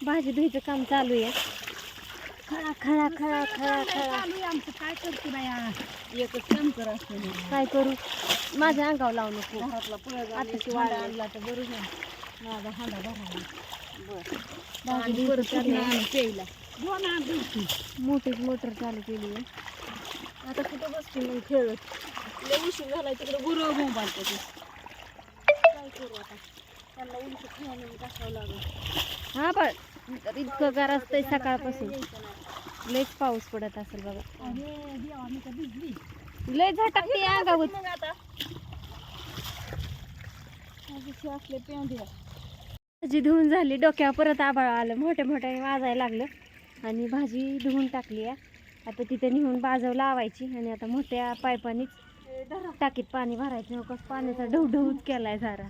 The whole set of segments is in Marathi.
भाजी धुईचं काम चालू आहे. खळा खळा खळा खळा खळा आमचं काय करते बाया एकच काम कर असतं काय करू. माझ्या अंगावर लावू नको. घरातला पळ आताशी वाढ वाढ आणला तर बरोबर माझा हांडा भरावा भाजी आणि धुईचं परत चालू आहे. आणून प्यायला दोन आण दिवशी मोठीच मोटर चालू केली आहे. आता कुठं बसते मग खेळत लय उशीर झाला तिकडे गुरु मोबाईल त्याचे काय करू आता त्यांना उलट खायला टाकावं लागेल. हा पण इतकं गार असतंय सकाळपासून. लयच पाऊस पडत असेल बघा. अरे देवा मी तर भिजली लय झटाकते अंगावर. मग आता असले पेंढ्या भाजी धुवून झाली. डोक्यावर परत आभाळ आलं. मोठ्या मोठ्या वाजायला लागलं आणि भाजी धुवून टाकली आहे. आता तिथे नेऊन बाजव लावायची आणि आता मोठ्या पायपानीच टाकीत पाणी भरायचं. नकोस पाण्याचा ढवढवच केलाय सारा.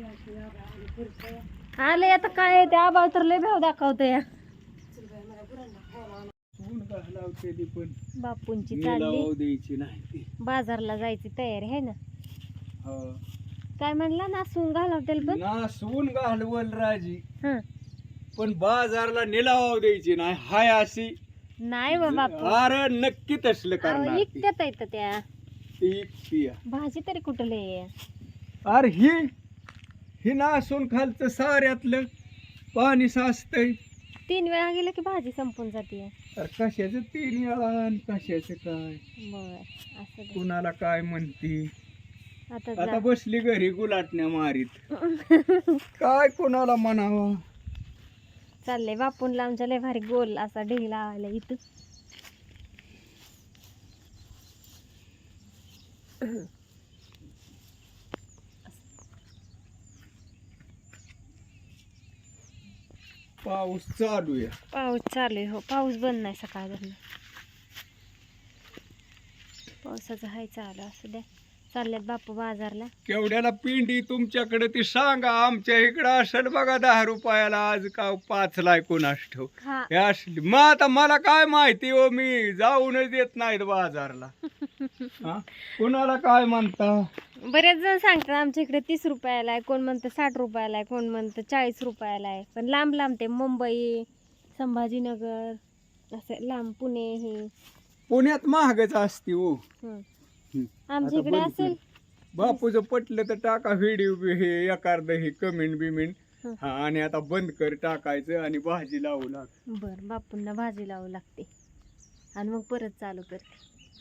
आलंय आता काय ते आभाळ तर लय भाव दाखवतोय या. बापूंची चालली बाजारला जायची तयारी आहे ना. काय म्हणला नासून घालवतेल पण नासून घालवल राजी हं. पण बाजारला निलाव द्यायची नाही हाय अशी नाही बा बापू. अरे नक्की तसलं करणार ती. इकत्यात येतं त्या ती भाजी तरी कुठं लय. अरे ही नासून खालचं साऱ्यातलं पाणी साचतंय. 3 वेळा गेलं की भाजी संपून जाते. अरे कशाचं 3 वेळा आणि कशाचं काय बर असं दे. कुणाला काय म्हणती. आता आता जा. बसली घरी गुलाटण्या मारीत काय कोणाला म्हणावं. चाललंय बापूंला आमच्या लय भारी गोल असा ढीग लावायला इथं. पाऊस चालू आहे. पाऊस चालू आहे. हो पाऊस बंद नाही सकाळ धरण. पावसाचं हाय चालू असू द्या. चालल्यात बापू बाजारला. केवढ्याला पिंडी तुमच्याकडे ती सांगा. आमच्या इकडं असेल बघा 10 रुपयाला आज का 5ला कोणास ठेव हा हे असली. मग आता मला काय माहिती हो मी जाऊनच देत नाहीत बाजारला. हा? कुणाला काय म्हणता. बरेच जण सांगतात आमच्या इकडे 30 रुपयाला आहे. कोण म्हणतं 60 रुपयाला आहे. कोण म्हणतं 40 रुपयाला आहे. पण लांब लांब ते मुंबई संभाजीनगर असं लांब पुणे हे पुण्यात महागच असते हो. हं. हं. आमच्या आता इकडे बंद असेल. बापूचं पटलं तर टाका व्हिडिओ हे एखादं हे कमेंट बिमेंट. हं. हा आणि आता बंद कर टाकायचं आणि भाजी लावू लाग. बर बापूंना भाजी लावू लागते आणि मग परत चालू करते.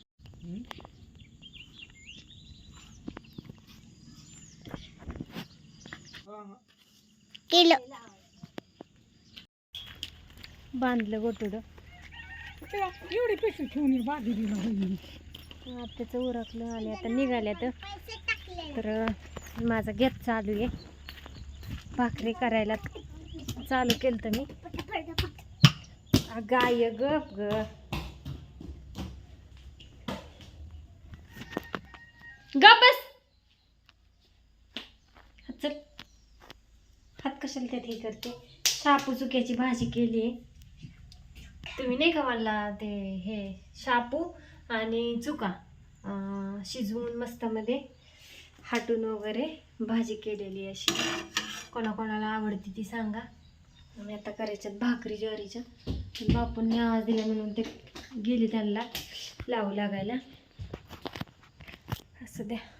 बांधलं गोटुडं. एवढे पैसे ठेवून ये बाजरीला होईल. त्याचं उरकलं आणि आता निघाल्यात. तर माझा गॅस चालू आहे. भाकरी करायला चालू केलं तर मी. गाय गप ग. गप बस. चल हात कशाला त्यात हे करते. शापू चुक्याची भाजी केली आहे. तुम्ही नाही का मला ते हे शापू आणि चुका शिजवून मस्त मध्ये हाटून वगैरे भाजी केलेली अशी. कोणाकोणाला आवडती ती सांगा. आणि आता करायच्यात भाकरी ज्वारीच्या. बापूंनी आवाज दिला म्हणून ते गेले त्यांना लावू लागायला. असं द्या.